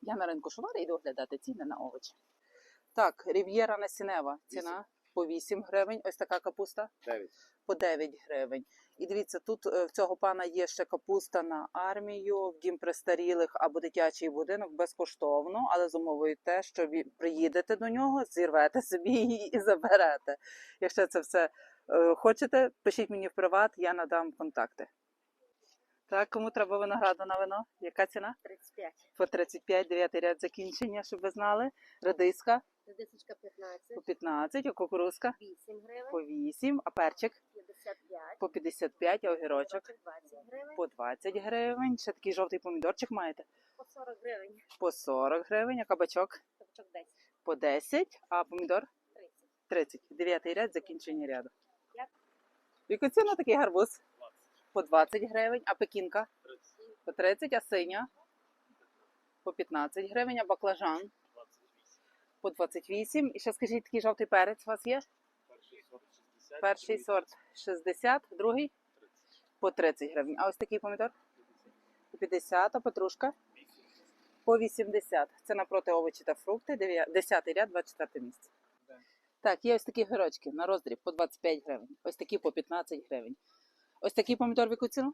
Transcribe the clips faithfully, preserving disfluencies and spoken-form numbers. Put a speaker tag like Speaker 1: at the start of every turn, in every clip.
Speaker 1: Я на ринку Шувара йду оглядати ціни на овочі. Так, рів'єра насінева. Ціна по вісім гривень. Ось така капуста.
Speaker 2: дев'ять.
Speaker 1: По дев'ять гривень. І дивіться, тут в цього пана є ще капуста на армію, в дім престарілих або дитячий будинок безкоштовно, але з умовою те, що ви приїдете до нього, зірвете собі її і заберете. Якщо це все е, хочете, пишіть мені в приват, я надам контакти. Так, кому треба винограду на вино? Яка ціна?
Speaker 3: тридцять п'ять.
Speaker 1: По тридцять п'ять, дев'ятий ряд закінчення, щоб ви знали. Редиска
Speaker 3: Редисочка п'ятнадцять.
Speaker 1: по п'ятнадцять, а кукурузка
Speaker 3: вісім гривень.
Speaker 1: по вісім, а перчик
Speaker 3: п'ятдесят п'ять.
Speaker 1: по п'ятдесят п'ять, а огірочок
Speaker 3: двадцять гривень.
Speaker 1: по двадцять гривень. Ще такий жовтий помідорчик маєте?
Speaker 3: По сорок гривень.
Speaker 1: По сорок гривень, а кабачок
Speaker 3: Кабачок десять.
Speaker 1: по десять, а помідор
Speaker 3: тридцять.
Speaker 1: тридцять. Дев'ятий ряд, закінчення ряду.
Speaker 3: Як?
Speaker 1: Яку ціну такий гарбуз? По двадцять гривень, а пекінка? По тридцять, а синя? По п'ятнадцять гривень, а баклажан? По двадцять вісім. І ще скажіть, такий жовтий перець у вас є? Перший сорт шістдесят, другий? По тридцять гривень. А ось такий помідор? По п'ятдесят, а петрушка? По вісімдесят. Це напроти овочі та фрукти, десятий ряд, двадцять четверте місце. Так, є ось такі гирочки на роздріб по двадцять п'ять гривень. Ось такі по п'ятнадцять гривень. Ось такий помідор в яку ціну?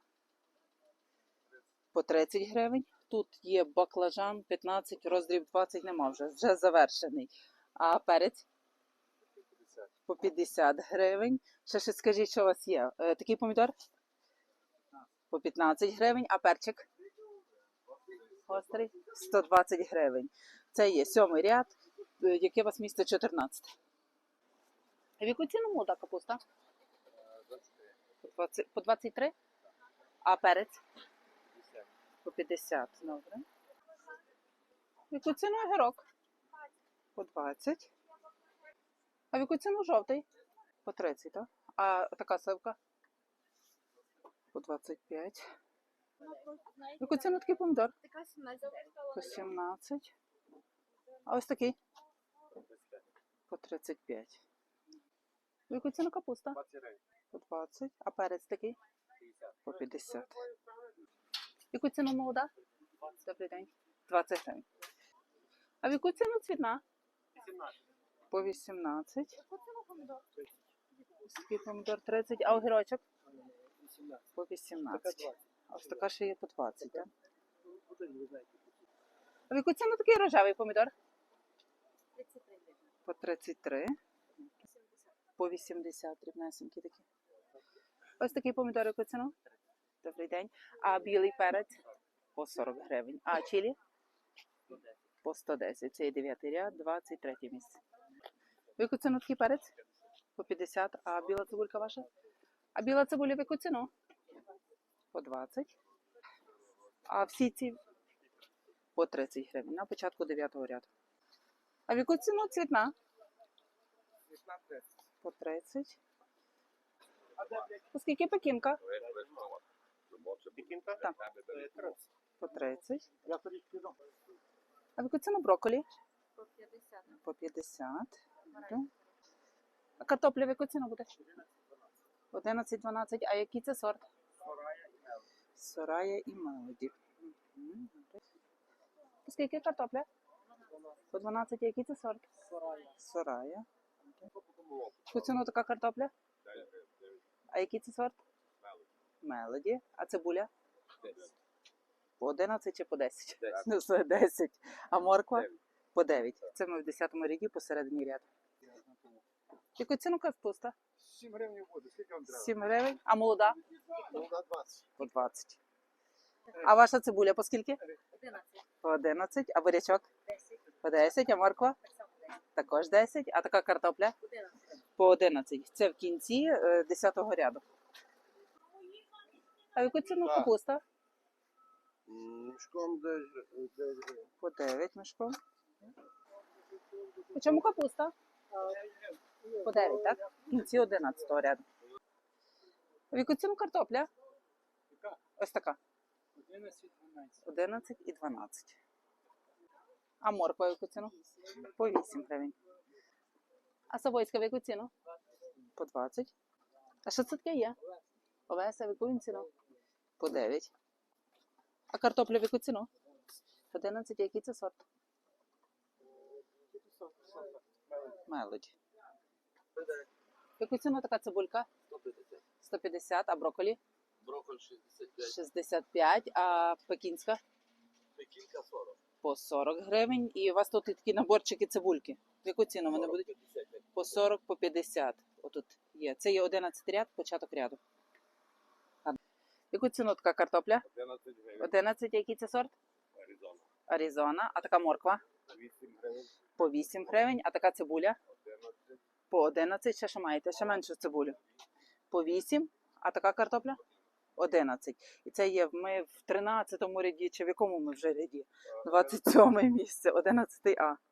Speaker 1: По тридцять гривень. Тут є баклажан п'ятнадцять, роздріб двадцять нема вже, вже завершений. А перець? По п'ятдесят гривень. Ще ще скажіть, що у вас є. Е, такий помідор? По п'ятнадцять гривень, а перчик? Гострий? сто двадцять гривень. Це є сьомий ряд, е, яке у вас місце чотирнадцять. А в яку ціну молода капуста? По двадцять три? А перець? По п'ятдесят. Добре. В яку ціну огірок? По двадцять. А в яку ціну жовтий? По тридцять, так? А така сливка? По двадцять п'ять. В яку ціну такий помідор?
Speaker 3: Така сімнадцять.
Speaker 1: По сімнадцять. А ось такий? По тридцять п'ять. В яку ціну капуста? По двадцять. А перець такий? По п'ятдесят. В яку ціну молода? Добрий день. двадцять гривень. А в яку ціну цвітна? По вісімнадцять.
Speaker 3: Яку ціну помідор?
Speaker 1: Такий помідор тридцять. А огірочок? По вісімнадцять. А ось така ще є по двадцять, так? А в яку ціну такий рожевий помідор?
Speaker 3: тридцять три гривень.
Speaker 1: По тридцять три. По вісімдесят. Дрібнесенькі такі. Ось такий помідор, яку ціну? Добрий день. А білий перець? По сорок гривень. А чилі? По сто десять. Це є дев'ятий ряд, двадцять третє місце. В яку ціну такий перець? По п'ятдесят. А біла цибулька ваша? А біла цибуля в яку ціну? По двадцять. А всі ці? По тридцять гривень. На початку дев'ятого ряду. А в яку ціну цвітна? По тридцять. Оскільки пекінка?
Speaker 2: Пекінка?
Speaker 1: Так. По тридцять. А в яку ціну брокколі?
Speaker 3: По п'ятдесят.
Speaker 1: По п'ятдесят. Добре. А картопля в яку ціну буде? одинадцять дванадцять. А який це сорт? Сорая і Мелоді. Угу. Скільки картопля? По дванадцять. А який це сорт? Сорая. Яку ціну така картопля? А який це сорт? Мелоді. А цибуля? По одинадцять чи по десять? Ну, все, десять. А морква? По дев'ять. Це ми в десятому ряді посередині ряду. Яку ціну капуста?
Speaker 2: сім гривень буде. Скільки вам треба?
Speaker 1: сім гривень. А молода?
Speaker 2: Молода двадцять.
Speaker 1: По двадцять. А ваша цибуля по скільки?
Speaker 3: одинадцять.
Speaker 1: По одинадцять. А бурячок?
Speaker 3: десять.
Speaker 1: По десять. А морква?
Speaker 3: Так само десять.
Speaker 1: Також десять. А така картопля?
Speaker 3: одинадцять.
Speaker 1: По одинадцять. Це в кінці е, десятого ряду. А яку ціну капуста?
Speaker 2: Мішком дев'ять гривень.
Speaker 1: По дев'ять мішком. По чому капуста? По дев'ять, так? В кінці одинадцятого ряду. А в яку ціну картопля? Ось така. одинадцять і дванадцять. А морква в яку ціну? По вісім гривень. А савойська в яку ціну? По двадцять. А що це таке є? Овеса в яку він ціну? По дев'ять. А картопля в яку ціну? одинадцять, який це сорт? Мелоді. Яку ціну така цибулька?
Speaker 4: сто п'ятдесят.
Speaker 1: сто п'ятдесят, а брокколі?
Speaker 4: Брокколь шістдесят п'ять.
Speaker 1: шістдесят п'ять, а пекінська?
Speaker 4: Пекінка сорок.
Speaker 1: По сорок гривень. І у вас тут і такі наборчики цибульки. В яку ціну вони будуть?
Speaker 4: п'ятдесят.
Speaker 1: По сорок, по п'ятдесят. Отут є. Це є одинадцять ряд, початок ряду. А яку ціну така картопля?
Speaker 2: одинадцять гривень.
Speaker 1: одинадцять, який це сорт?
Speaker 2: Аризона.
Speaker 1: Аризона. А така морква?
Speaker 2: вісім гривень.
Speaker 1: По вісім гривень. А така цибуля?
Speaker 2: одинадцять.
Speaker 1: По одинадцять. Ще що маєте? Ще меншу цибулю. По вісім. А така картопля? одинадцять. І це є ми в тринадцятому ряді, чи в якому ми вже ряді? двадцять сьоме місце, одинадцятий А.